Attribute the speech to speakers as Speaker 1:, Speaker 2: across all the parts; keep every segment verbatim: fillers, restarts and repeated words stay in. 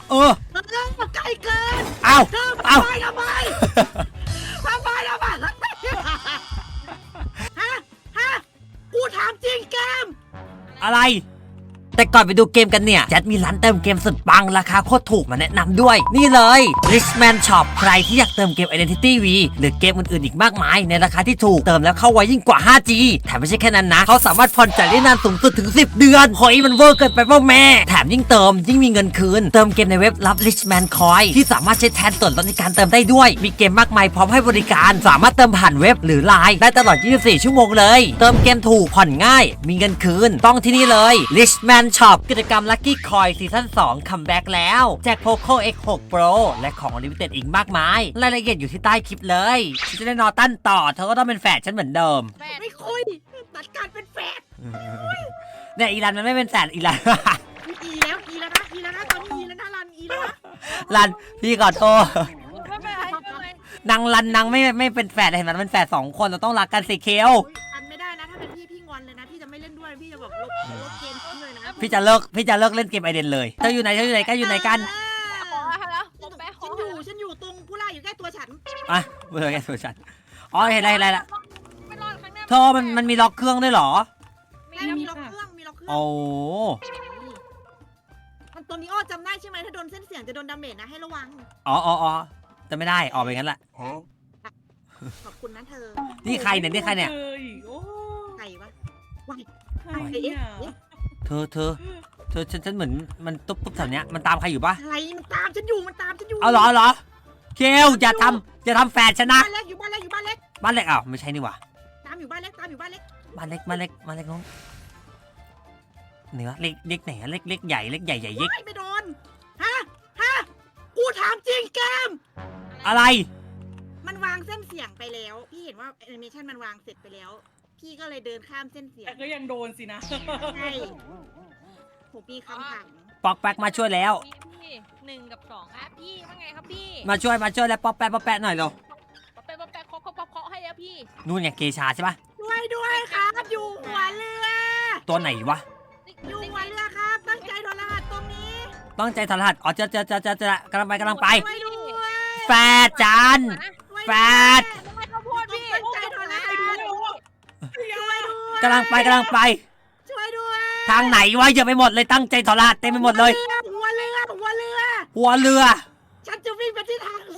Speaker 1: เออ
Speaker 2: ใกล้เกิน
Speaker 1: เอาเอา
Speaker 2: ทำไมทำไมทำไมทำไมฮะฮะกูถามจริงเกม
Speaker 1: อะไรแต่ก่อนไปดูเกมกันเนี่ยแจ็ดมีร้านเติมเกมสุดปังราคาโคตรถูกมาแนะนำด้วยนี่เลย Richman Shop ใครที่อยากเติมเกม Identity V หรือเกมอื่นๆอีกมากมายในราคาที่ถูกเติมแล้วเข้าไวยิ่งกว่า ห้าจี แถมไม่ใช่แค่นั้นนะเขาสามารถผ่อนจ่ายได้นานสูงสุดถึงสิบเดือนเฮ้ยมันเวอร์เกินไปป่ะแม่แถมยิ่งเติมยิ่งมีเงินคืนเติมเกมในเว็บรับ Richman Coin ที่สามารถใช้แทนส่วนลดในการเติมได้ด้วยมีเกมมากมายพร้อมให้บริการสามารถเติมผ่านเว็บหรือไลน์ได้ตลอดยี่สิบสี่ชั่วโมงเลยเติมเกมถูกผ่อนง่ายมีเงินคืนต้องที่นี่เลย Richman Shop กิจกรรม Lucky Coin ซีซั่นสองคัมแบ็กแล้วแจก Poco เอ็กซ์ หก Pro และของ Limited อีกมากมายรายละเอียดอยู่ที่ใต้คลิปเลยฉันจะได้นอตั้นต่อเธอก็ต้องเป็นแฝดฉันเหมือนเดิม
Speaker 2: ไม่คุยตัดการเป็นแฝด
Speaker 1: เนี่ยอีรันมันไม่เป็นแฝดอีรัน
Speaker 2: อีแล้วอีแล้วนะอีแล้วนะตอนนี้อีแล้วนะรันอีแล้วนะ
Speaker 1: รันพี่ขอโทษ
Speaker 3: ไม่เป็นไรไม่เป็นไร
Speaker 1: นางรันนางไม่ไม่เป็นแฝดเห็นมันเป็นแฝดสองคนเราต้องรักกันสิเคล
Speaker 2: อันไม่ได้นะถ้าเป็นพี่พี่งอนเลยนะพี่จะไม่เล่นด้วยพี่จะแบบลบลบเกมทิ้งเลยนะ
Speaker 1: พี่จะเลิกพี่จะเลิกเล่นเกมไอเดนเลยเธออยู่ไหนเธออยู่ไหนกันอยู่ไหนกัน
Speaker 2: ฉันอยู่ฉันอยู่ตรงผู้ล่าอยู่ใกล้ตัวฉัน
Speaker 1: อ่ะเมื่อไงตัวฉันอ๋อเห็นอะไรอะไรละเธอมันมันมีล็อกเครื่องด้วยเหรอ
Speaker 2: มีล็อกเครื่องมีล็อกเครื่อง
Speaker 1: โอ้
Speaker 2: มันตัวนี้อ้อจำได้ใช่ไหมถ้าโดนเส้นเสียงจะโดนดาเมจนะให้ระวัง
Speaker 1: อ๋ออ๋ออ๋อจะไม่ได้ออกไปงั้นแหละ
Speaker 2: ขอบคุณนะเธอ
Speaker 1: นี่ใครเนี่ยนี่ใครเนี่ย
Speaker 2: ใครวะวาย
Speaker 1: เธอเธอเธอฉันฉันเหมือนมันตุ๊บตุ๊บแถวเนี้ยมันตามใครอยู่ปะ
Speaker 2: อะไรมันตามฉันอยู่มันตามฉันอยู่
Speaker 1: เอาเหรอเหรอเคลอย่าทำอย่าทำแฟนฉันนะ
Speaker 2: บ้านเล็กอยู่บ้านเล็กอยู่บ้านเล็ก
Speaker 1: บ้านเล็กอ้าวไม่ใช่นี่หว่า
Speaker 2: ตามอยู่บ้านเล็กตามอยู่บ้านเล็ก
Speaker 1: บ้านเล็กบ้านเล็กบ้านเล็กน้องเนื้อเล็กเล็กไหนเล็กเล็กใหญ่เล็กใหญ่ใหญ่เล็ก
Speaker 2: ไม่โดนฮะฮะกูถามจริงเกม
Speaker 1: อะไร
Speaker 2: มันวางเส้นเสียงไปแล้วพี่เห็นว่าแอนิเมชันมันวางเสร็จไปแล้วพี่ก็เลยเดินข้ามเส้นเสียง
Speaker 3: แต่ก็ยังโดนสินะ
Speaker 2: ใช่ผมมีคำถาม
Speaker 1: ปอกแป๊กมาช่วยแล้ว
Speaker 3: พี่หนึ่งกับสองครับพี่ว่าไงครับพี่
Speaker 1: มาช่วยมาช่วยแล้วปอกแป๊กปอกแป๊กหน่อยเร็ว
Speaker 3: ปอกแป๊กปอกแป๊กเคาะเคาะเคาะให้แล้วพี่
Speaker 1: นู่นไงเกชาใช่ปะ
Speaker 2: ช่วยด้วยครับอยู่หัวเรือ
Speaker 1: ตัวไหนวะ
Speaker 2: อยู่หัวเรือครับตั้งใจถอดรหัสตรงนี้
Speaker 1: ตั้งใจถอดรหัสอ๋อเจอเจอเจอเจอเจอกำลังไปกำลังไปแฟดจานแฟดกำลังไปกำลังไป
Speaker 2: ช่วยด้วย
Speaker 1: ทางไหนวะเยอะไปหมดเลยตั้งใจถอดรหัสเต็มไปหมดเลย
Speaker 2: หัวเรือหัวเรือ
Speaker 1: หัวเรือ
Speaker 2: ฉันจะวิ่งไปที่ทาง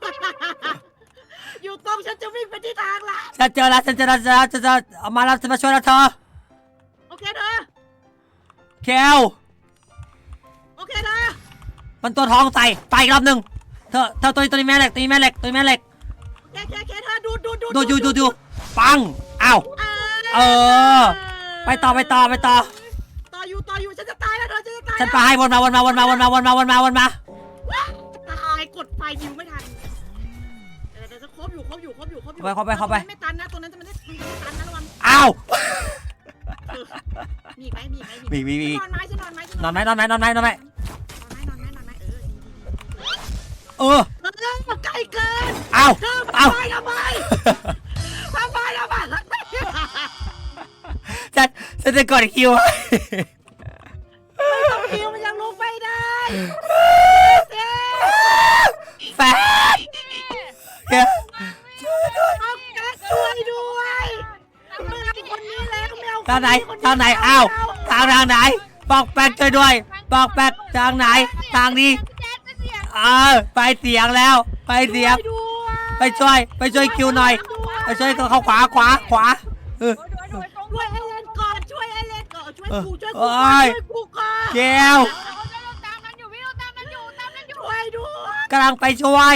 Speaker 2: อยู่ตรงฉันจะวิ่งไปที่ทางละ
Speaker 1: ฉันเจอแล้วฉันเจอแล้วฉันเจอเอามาแล้วจะมาช่วยแล้วเธอ
Speaker 2: โอเคเธอ
Speaker 1: เคล
Speaker 2: โอเคเธอ
Speaker 1: มันตัวทองใส่ไปอีกรอบหนึ่งเธอเธอตัวนี้ตัวนี้แม่เหล็กตัวนี้แม่เหล็กตัวนี้แม่เหล็ก
Speaker 2: เคเคเคเธอดูดูดู
Speaker 1: ดูดูดูดูปังอ้าวเออไปต่อไปต่อไปต่อ
Speaker 2: ต่ออยู่ต่ออยู่ฉันจะตายแล้วเธอฉันจะตาย
Speaker 1: ฉันไปให้วนมาวนมาวนมาวนมาวนมาวนมาวนมา
Speaker 2: ตายกดไฟยิวไม่ทันเดี๋ยวจะครบอยู่ครบอยู่ครบอยู่ครบอยู่
Speaker 1: เข้าไปเข้าไป
Speaker 2: ไม่ตันนะตัวนั้นจะไม่ได้ตันนะระวัง
Speaker 1: อ้าว
Speaker 2: มีไหมมีไหม
Speaker 1: มีมีมี
Speaker 2: นอนไหมฉันนอนไหม
Speaker 1: นอนไหมนอนไหมนอนไหมนอนไหม
Speaker 2: นอนไหมนอนไหม
Speaker 1: เออ
Speaker 2: เออไกลเกิน
Speaker 1: อ้าวอ้าว
Speaker 2: ทำไมทำไมทำไมทำไม
Speaker 1: ฉันฉันจะกดคิว
Speaker 2: ไม่ต้องคิวมันยังลุกไม่ได้
Speaker 1: แฟน
Speaker 2: ช่วยด้วยเมื่อคนนี้แล้วแมว
Speaker 1: ทางไหนทางไหนอ้าวทางทางไหนปอกแป๊กช่วยด้วยปอกแป๊กทางไหนทางนี้เออไปเสียงแล้วไปเสียงไปช่วยไปช่วยคิวหน่อยไปช่วยเขาขวาขวาขวาเออ
Speaker 2: ช่วยไอเลนก่อนช่วยไอเลนก่อนช่วยกูช่วยกูช่วยกูก่อน
Speaker 1: เกล
Speaker 3: ตามนั้นอยู่พี่ตามนั้นอยู่ตามนั้นอยู่
Speaker 2: ช่วยด้วย
Speaker 1: กำลังไปช่วย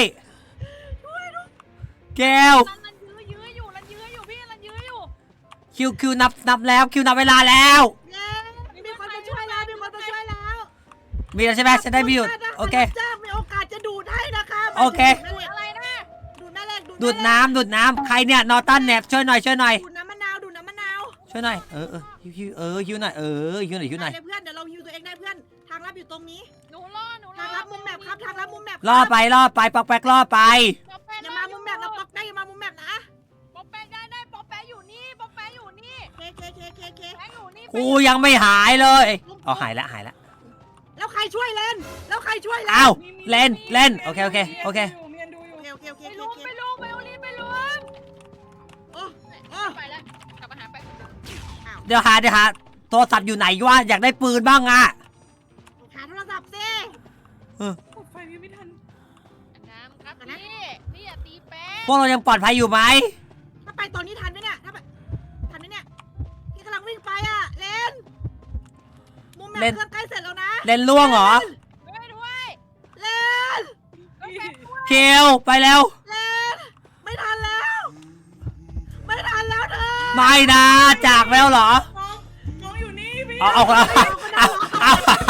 Speaker 1: เกล
Speaker 3: รันยื้อยื้ออยู่รันยื้ออยู่พี่รันยื้ออยู่
Speaker 1: คิวคิวนับนับแล้วคิวนับเวลาแล้ว
Speaker 2: มีคนมาช่วยแล้วมีคนมาช่วยแล้ว
Speaker 1: มีแล้วใช่ไหมฉันได้มีอยู่โอเค
Speaker 2: มีโอกาสจะดูดให้นะคะ
Speaker 1: โอเค
Speaker 2: อะไรนะดูดแม่เหล็ก
Speaker 1: ดูดน้ำดูดน้ำใครเนี่ยนอตันแนบช่วยหน่อยช่วยหน่อย
Speaker 2: ดูดน้ำมะนาวดูดน้ำมะนาว
Speaker 1: ช่วยหน่อยเออเออฮิวเออฮิวหน่อยเออฮิวหน่อยฮิวหน่อย
Speaker 2: เพื่อนเดี๋ยวเราฮิวตัวเองได้เพื่อนทางลับอยู่ตรงนี้
Speaker 3: หนูรอหนูรอ
Speaker 2: ทางลับมุมแมปครับทางลับมุมแมป
Speaker 1: ล่อไปล่อไปปอกแป๊กล่อไป
Speaker 2: อย่ามามุมแมปนะปอกได้อย่ามามุมแมปนะ
Speaker 3: ปอกแป๊กได้ได้ปอกแป๊กอยู่นี่ปอกแป๊กอยู่นี่
Speaker 2: เคเคเคเคเค
Speaker 3: อยู่นี่
Speaker 1: กูยังไม่หายเลยอ๋อหายแล้วหายแล้ว
Speaker 2: แล้วใครช่วยเลนแล้วใครช่วยเลน
Speaker 1: อ้าวเล่นเล่นโอเคโอเคโอเค
Speaker 4: เมียนดูอยู่
Speaker 2: โอเคโอเคโอเค
Speaker 3: ไป
Speaker 2: โอ
Speaker 3: ลุม
Speaker 2: เค
Speaker 3: ไปลุมไปลุมรีบไปลุม
Speaker 2: โอ้โอ้
Speaker 3: ไปแล้วกลับมาหาไป
Speaker 2: อ้าว
Speaker 1: เดี๋ยวหาเดี๋ยวหาโทรศัพท์อยู่ไหนวะอยากได้ปืนบ้างอ่ะ
Speaker 2: หาโทรศัพท์สิ
Speaker 4: กดไฟยังไม่ทัน
Speaker 3: น้ำครับพี่พี่อย่าตีแป๊
Speaker 1: พวกเรายังปลอดภัยอยู่ไหม
Speaker 2: ถ้าไปตอนนี้ทันไหมเนี่ยถ้าไปทันไหมเนี่ยพี่กำลังวิ่งไปอ่ะเลนมุมแมปเครื่องใกล้เสร็จแล้วนะ
Speaker 1: เล่นล่วงเหรอ
Speaker 3: ด้วยด้วย
Speaker 2: เลน
Speaker 1: เคียวไปแล้ว
Speaker 2: เลนไม่ทันแล้ว ไม่ทันแล้วเธอ
Speaker 1: ไม่นะจากแล้วเหรอ
Speaker 4: น้องน้องอยู่นี่พี่
Speaker 1: เอาเอาเอาเอาเอา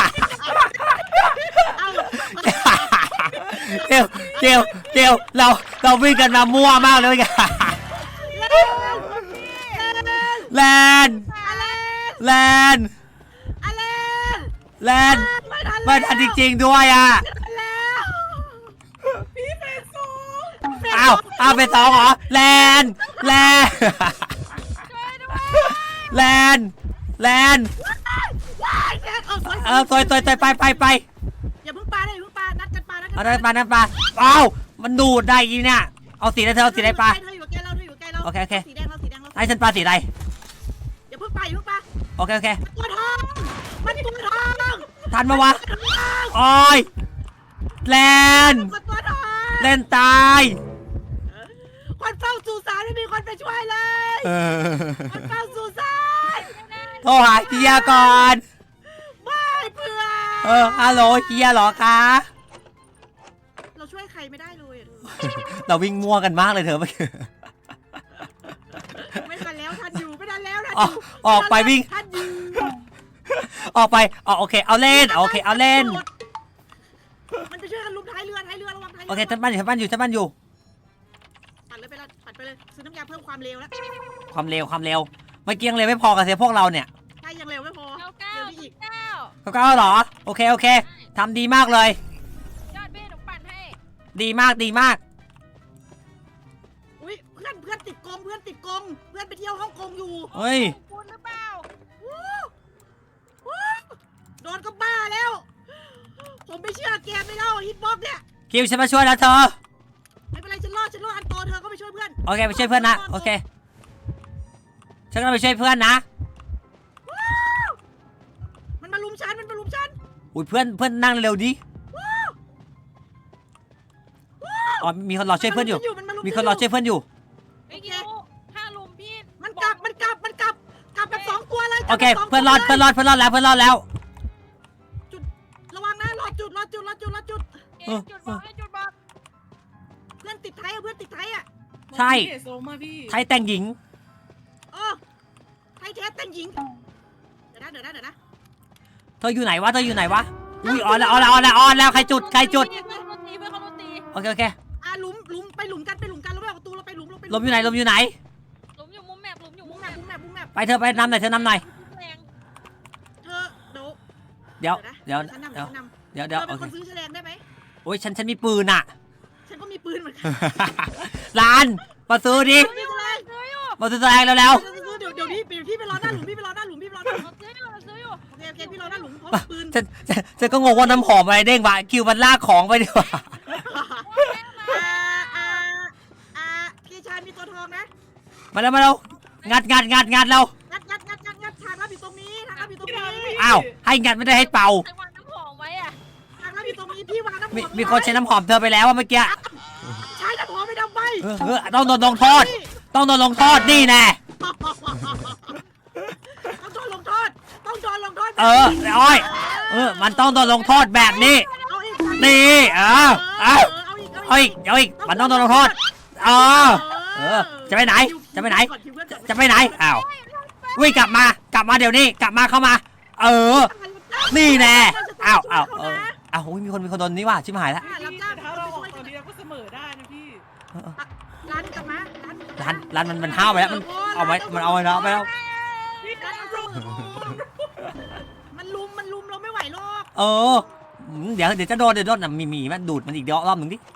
Speaker 2: เอา
Speaker 1: เกียวเกียวเกียวเราเราวิ่งกันมามั่วมากเลยกันแลน
Speaker 2: อะไร
Speaker 1: แลน
Speaker 2: อะไร
Speaker 1: แลน
Speaker 2: ไม่ทัน
Speaker 1: ไม่ทันจริงๆด้วยอ่ะ
Speaker 2: แล้ว
Speaker 4: พี่เฟซซู
Speaker 1: อ้าวอ้าวเป็นสองเหรอแลนแลน
Speaker 3: ช่วยด้วย
Speaker 1: แลนแลน
Speaker 2: ว้ายแกเออ
Speaker 1: เออตัวตัวตัวไปไปไป
Speaker 2: อย่าเพิ่งปาได้อย่าเพิ่งปานัดกันปานัดกัน
Speaker 1: เอาได้ปลาน้ำปลาอ้าวมันดูดได้ยีเนี่ยเอาสีอะไรเธอเอาสีอะไรปลา
Speaker 2: เธออยู่กับแกเราเธออยู่กับแกเรา
Speaker 1: โอเคโอเค
Speaker 2: สีแดงเราสีแดงเรา
Speaker 1: ให้ฉันปลาสีอะไร
Speaker 2: อย่าเพิ่งปาอย่าเพิ่งปา
Speaker 1: โอเคโอเค
Speaker 2: ตัวทองมันตัวทอง
Speaker 1: ทันมาวะโอ้ยแลน
Speaker 2: มันตัวทอง
Speaker 1: เล่นตาย
Speaker 2: คนเฝ้าสุสานไม่มีคนไปช่วยเลย
Speaker 1: เออ
Speaker 2: คนเฝ้าสุสาน
Speaker 1: โทรหาเฮียก่อน
Speaker 2: ไม่เพื่อน
Speaker 1: เออฮัลโหลเฮียเหรอคะ
Speaker 2: เราช่วยใครไม่ได้เลยอะเธอ
Speaker 1: เราวิ่งมั่วกันมากเลยเธอเมื่อกี้
Speaker 2: ไม่ทันแล้วทันอยู่ไม่ทันแล้วทัน
Speaker 1: อ
Speaker 2: อ
Speaker 1: อก
Speaker 2: ยู่
Speaker 1: ออกไปวิ่ง
Speaker 2: ทันอยู่
Speaker 1: ออกไปอ๋อโอเคเอาเล่นโอเคเอาเล่น
Speaker 2: มันไปช่วยกันลุมท้ายเรือท้ายเรือระวังท้ายเรือ
Speaker 1: โอเคฉันบ้านอยู่ฉันบ้านอยู่ฉันบ้านอยู่
Speaker 2: ปัดเลยไปเลยปัดไปเลยซื้อน้ำยาเพิ่มความเร็วแล้ว
Speaker 1: ความเร็วความเร็วเมื่อกี้ยังเร็วไม่พอกับเสียพวกเราเนี่ย
Speaker 2: ใช่ยังเร็วไม่พอ
Speaker 3: เก้าเก้า
Speaker 2: เร็วได้อีก
Speaker 3: เก้า
Speaker 1: เขาก็เหรอโอเคโอเคทำดีมากเลย
Speaker 3: ยอดเบ้หนูปั่นให้
Speaker 1: ดีมากดีมาก
Speaker 2: อุ้ยเพื่อนเพื่อนติดกงเพื่อนติดกงเพื่อนไปเที่ยวฮ่องกงอยู่
Speaker 1: เฮ้ย
Speaker 3: คุณหรือเปล่า
Speaker 2: วู้วู้โดนก็บ้าแล้ว ผมไม่เชื่อแกไม่เล่าฮิตบ็อกเนี่ย
Speaker 1: คิวฉันมาช่วยแล้วเธอ
Speaker 2: ไม่เป็นไรฉันรอดฉันรอดอันโตเธอก็ไปช่วยเพื่อน
Speaker 1: โอเคไปช่วยเพื่อนนะโอเคฉันก็ไปช่วยเพื่อนนะ
Speaker 2: มันมาลุมฉันมันมาลุมฉัน
Speaker 1: อุ้ยเพื่อนเพื่อนนั่งเร็วดิอ๋อมีคนรอช่วยเพื่อนอยู่
Speaker 2: มันมาลุ
Speaker 1: มีคนรอช่วยเพื่อนอยู่
Speaker 3: ไม่กินห้าลุมพี่
Speaker 2: มันกลับมันกลับมันกลับกลับแบบสองตัวเลย
Speaker 1: โอเค
Speaker 2: กลับแบบสง
Speaker 1: เพื่อนรอด
Speaker 2: ตัว
Speaker 1: เพื่อนรอดเพื่อนรอดแล้วเพื่อนรอดแล้ว
Speaker 2: ระวังนะรอจุดรอจุดรอจุดรอจุด
Speaker 3: เอ็นจุดบอกเอ็นจุดบอก
Speaker 2: เพื่อนติดไทยอะเพื่อนติดไทยอะ
Speaker 1: ใช่
Speaker 4: เฟซซูมาพี่
Speaker 1: ไทยแต่งหญิง
Speaker 2: เออไทยเทสแต่งหญิงเดี๋ยวนะเดี๋ยวนะเดี๋ยวนะ
Speaker 1: เธออยู่ไหนวะเธออยู่ไหนวะอุ้ยออนแล้วออนแล้วออนแล้วออนแล้วใครจุดใครจุด
Speaker 3: เพื่อนเขาตีเพื่อนเขาตี
Speaker 1: โอเคโอเค
Speaker 2: อ่ะหลุมหลุมไปหลุมกันไปหลุมกันเราไม่ออกประตูเราไปหลุมเราไป
Speaker 1: ลมอยู่ไหนลมอยู่ไหน
Speaker 3: หลุมอยู่มุมแมปหลุมอยู่
Speaker 2: บุ้
Speaker 3: มุ
Speaker 2: ง
Speaker 3: ม
Speaker 2: แม
Speaker 3: แม
Speaker 2: ป
Speaker 3: ป
Speaker 2: บุ้งแมปบุ้งแมป
Speaker 1: ไปเธอไปนำหน่อยเธอนำหน่อย
Speaker 3: แรง
Speaker 2: เธอเดี๋ยว
Speaker 1: เดี๋ยว
Speaker 2: นะ
Speaker 1: เดี๋ยว
Speaker 2: ฉันนำ
Speaker 1: เดี๋ยว
Speaker 2: ฉันนำ
Speaker 1: เดี๋ยว
Speaker 2: เธ
Speaker 1: เดี๋ยว
Speaker 2: อ
Speaker 1: โอ
Speaker 2: เป็น
Speaker 1: เค
Speaker 2: คนซื้อแฉลงได้ไหม
Speaker 1: โอ้ยฉันฉันมีปืนอ่ะ
Speaker 2: ฉันก็มีปืนเหมือนกัน
Speaker 1: ร้านมาซื้อดิ
Speaker 2: ซื้อเลย
Speaker 3: ซื้ออยู่
Speaker 1: มาซื้อแสดงแล้วแล้ว
Speaker 2: ซื้อเดี๋ยวเดี๋ยวพี่พี่ไปรอหน้าหลุมพี่ไปรอหน้าหลุมพี่ไปรอหน้าหลุม
Speaker 3: เราซื้ออยู่เราซื้ออยู่
Speaker 2: โอเคโอเคพี่รอหน้าหลุมพร้อมปืน
Speaker 1: ฉันฉันฉันก็งงว่าน้ำหอมอะไรเด้งวะคิวมันลากของไปดีกว่า
Speaker 2: อ่าอ่าอ่าพี่ชายมีตัวทองนะ
Speaker 1: มาแล้วมาแล้วงัดงัดงัดงัดแล้ว
Speaker 2: งัดงัดงัดงัดงัดทางลับอยู่ตรงนี้ทางลับอยู่ตรงนี้
Speaker 1: อ้าวให้งัดไม่ได้ให้เป่า
Speaker 3: ใครวางน้ำหอมไว้อะ
Speaker 2: ทางลับอยู่ตรงนี้พี่วางน้ำหอ
Speaker 1: มี
Speaker 2: ม
Speaker 1: มีคนใช้น้ำหอมเธอไปแล้วว่าเมื่อกี้
Speaker 2: ใช้น้ำหอมไม่ทำไม
Speaker 1: เออเออต้องโดนลงโทษ ต้องโดนลงโทษนี่แน่
Speaker 2: ต้องโดนลงโทษต้องโดนลงโทษ
Speaker 1: เอออ้อยเออมันต้องโดนลงโทษแบบนี้
Speaker 2: เอาอีก
Speaker 1: นี่เออเอา
Speaker 2: เอาอีก
Speaker 1: เอาอีกเอาอีกมันต้องโดนลงโทษเออเออจะไปไหนจะไปไหน จะไปไหนอ้าววิ่งกลับมากลับมาเดี๋ยวนี้กลับมาเข้ามา เออ นี่แน่อ้าวอ้าวเอออ้าวอุ๊ยมีคนมีคนโดนนี่ว่ะชิบหายแล้ว
Speaker 4: พี่แต่ถ้าเราออกตอนนี้เราก็เสมอได้นะพี่
Speaker 2: ร้านกลับมาร้าน
Speaker 1: ร้านร้านมันมันห้าวไปแล้วมันเอาไว้มันเอาไว้แล้วไปแล้ว
Speaker 4: พี่
Speaker 2: ร้านเอาเสมอมันลุมมันลุมเราไม่ไหวหรอก
Speaker 1: เอออืมเดี๋ยวเดี๋ยวจะโดนเดี๋ยวโดนน่ะมีมีมันดูดมันอีกเดี๋ยวรอบหนึ่งดิ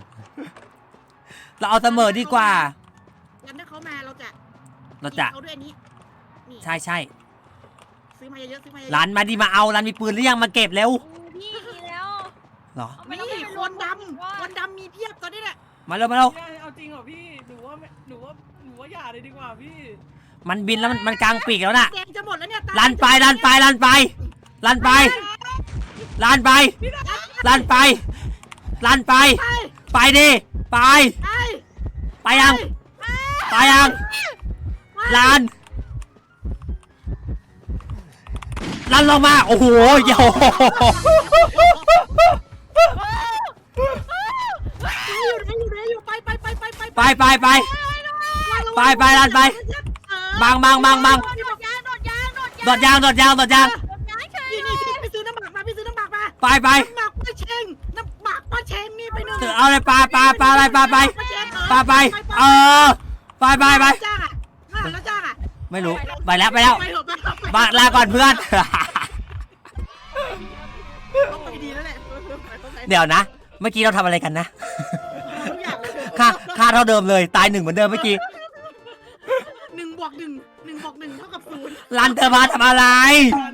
Speaker 1: เราเอาเสมอดีกว่า
Speaker 2: งั้นถ้าเขามาเราจะ
Speaker 1: เราจะ
Speaker 2: เขาด้วยอันนี้นี่
Speaker 1: ใช่ใช่
Speaker 2: ซื้อมาเยอะๆซื้อมาเยอะๆ
Speaker 1: ร้านมาดิมาเอาร้านมีปืนหรือยังมาเก็บเร็ว
Speaker 3: พี่พี่มีแล้ว
Speaker 1: เหรอ
Speaker 3: เอาไม่
Speaker 2: นี่
Speaker 3: ต้องไป
Speaker 2: ค
Speaker 3: รวม
Speaker 2: นด
Speaker 3: ว่า
Speaker 2: ำคนดำมีเพียบตอนนี้แหละ
Speaker 1: มาเร็วมาเร็ว
Speaker 4: เอาจริงเหรอพี่หนูว่าไม่หนูว่าหนูว่าอย่าเลยดีกว่าพี่
Speaker 1: มันบินแล้วมันมันกลางปีกแล้วน่ะ
Speaker 2: แดงจะหมดแล้วเนี่ย
Speaker 1: ลันไปลันไปลันไปลันไปลันไปลันไปลันไป
Speaker 2: ไป
Speaker 1: ไปดิไป
Speaker 2: ไป
Speaker 1: ไปยังไปยังลันลันลงมาโอ้โหโย
Speaker 2: อยู่ไหนอยู่ไหนอยู่ไปไปไปไปไป
Speaker 1: ไปไปไป ไปไปลันไปบังบังบังบัง
Speaker 3: โดดยางโดดยางโดด
Speaker 1: โดดยางโดดยางโดดยาง
Speaker 3: โดดยางเฉย
Speaker 2: นี่นี่พี่ไปซื้อน้ำหมักมาพี่ซื้อน้ำหมักมา
Speaker 1: ไปไป
Speaker 2: น้ำหมักป้าเชงน้ำหมักป้าเชงนี่ไปหนึ่ง
Speaker 1: เอาเลยปลาปลาปลาอะไรปลาไปปลาไปเออไปไปไป
Speaker 2: จ้างอ่ะแล้วจ้างอ่ะ
Speaker 1: ไม่รู้ไปแล้วไปแล้ว
Speaker 2: ไปเถอะไปเถอะ
Speaker 1: บาลาก่อนเพื่อน
Speaker 2: ต้องไปดีแล้วแหละ
Speaker 1: เดี๋ยวนะ เมื่อกี้เราทำอะไรกันนะ
Speaker 2: ทุกอย่างเลย
Speaker 1: ค่าค่าเท่าเดิมเลยตายหนึ่งเหมือนเดิมเมื่อกี้
Speaker 2: หนึ่งบวกหนึ่งหนึ่งบวกหนึ่งเท่ากับศูนย์
Speaker 1: รันเธอมาทำอะไร
Speaker 4: มา